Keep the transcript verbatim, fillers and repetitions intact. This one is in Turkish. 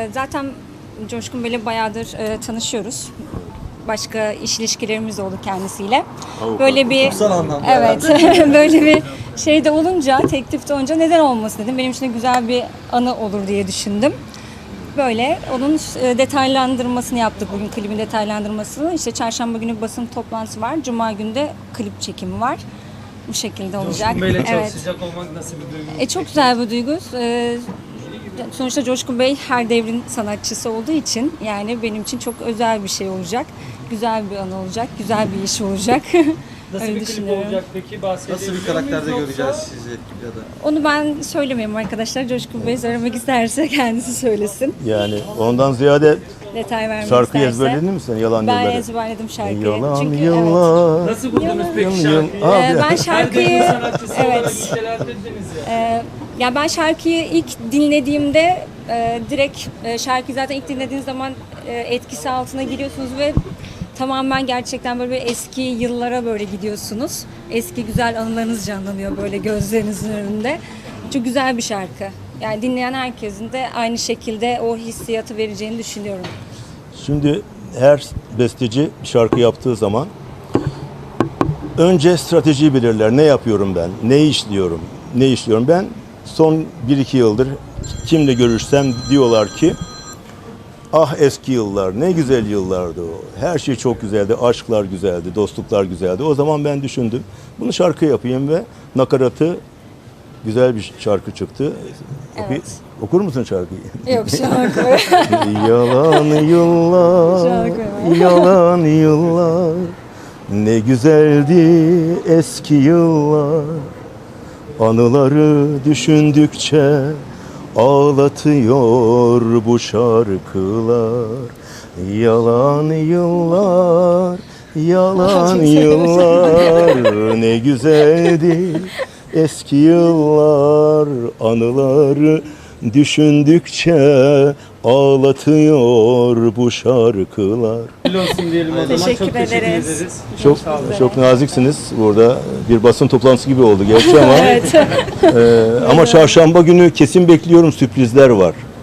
Ee, zaten Coşkun Bey'le bayağıdır e, tanışıyoruz. Başka iş ilişkilerimiz oldu kendisiyle. Avukat. Böyle bir Kutsal anlamda. evet böyle bir şeyde olunca, teklifte olunca neden olmasın dedim. Benim için de güzel bir anı olur diye düşündüm. Böyle onun e, detaylandırmasını yaptık bugün, klibin detaylandırmasını. İşte çarşamba günü basın toplantısı var. Cuma günü de klip çekimi var. Bu şekilde olacak. Coşkun Bey'le Evet. çalışacak olmak nasıl bir duygu? E, çok güzel bir duygu. E, sonuçta Coşkun Bey her devrin sanatçısı olduğu için yani benim için çok özel bir şey olacak. Güzel bir an olacak, güzel bir iş olacak. Nasıl Öyle bir klip düşünüyorum. olacak peki? Bahsedebilir Nasıl bir miyiz karakterde yoksa? göreceğiz sizi ya da? Onu ben söylemiyorum arkadaşlar. Coşkun Bey söylemek isterse kendisi söylesin. Yani ondan ziyade Detay vermek şarkıyı isterse. ezberledin mi sen Yalan Ben Yılları? ezberledim şarkıyı. Yalan Çünkü yıllar. Nasıl buldunuz peki Yıl- şarkıyı? yıl- Abi. evet, e, ben Her şarkıyı devrin sanatçısı olarak evet. nitelendirdiniz ya. e, ya ben şarkıyı ilk dinlediğimde e, direkt e, şarkıyı zaten ilk dinlediğiniz zaman e, etkisi altına giriyorsunuz ve tamamen gerçekten böyle bir eski yıllara böyle gidiyorsunuz. Eski güzel anılarınız canlanıyor böyle gözlerinizin önünde. Çok güzel bir şarkı. Yani dinleyen herkesin de aynı şekilde o hissiyatı vereceğini düşünüyorum. Şimdi her besteci şarkı yaptığı zaman önce stratejiyi belirler. Ne yapıyorum ben? Ne işliyorum? Ne işliyorum? Ben son bir iki yıldır kimle görüşsem diyorlar ki ah eski yıllar, ne güzel yıllardı o. Her şey çok güzeldi, aşklar güzeldi, dostluklar güzeldi. O zaman ben düşündüm, bunu şarkı yapayım ve nakaratı güzel bir şarkı çıktı. Oku- Evet. Okur musun şarkıyı? Yok şarkı. Yalan yıllar, Şarkı var. yalan yıllar, ne güzeldi eski yıllar. Anıları düşündükçe ağlatıyor bu şarkılar. Yalan yıllar, yalan yıllar, ne güzeldi eski yıllar. Anıları düşündükçe ağlatıyor bu şarkılar. Hayırlı olsun diyelim o zaman. Teşekkür Çok teşekkür ederiz. ederiz. Çok sağ olun. çok naziksiniz. Burada bir basın toplantısı gibi oldu gerçi ama Evet. e, ama çarşamba günü kesin bekliyorum, sürprizler var.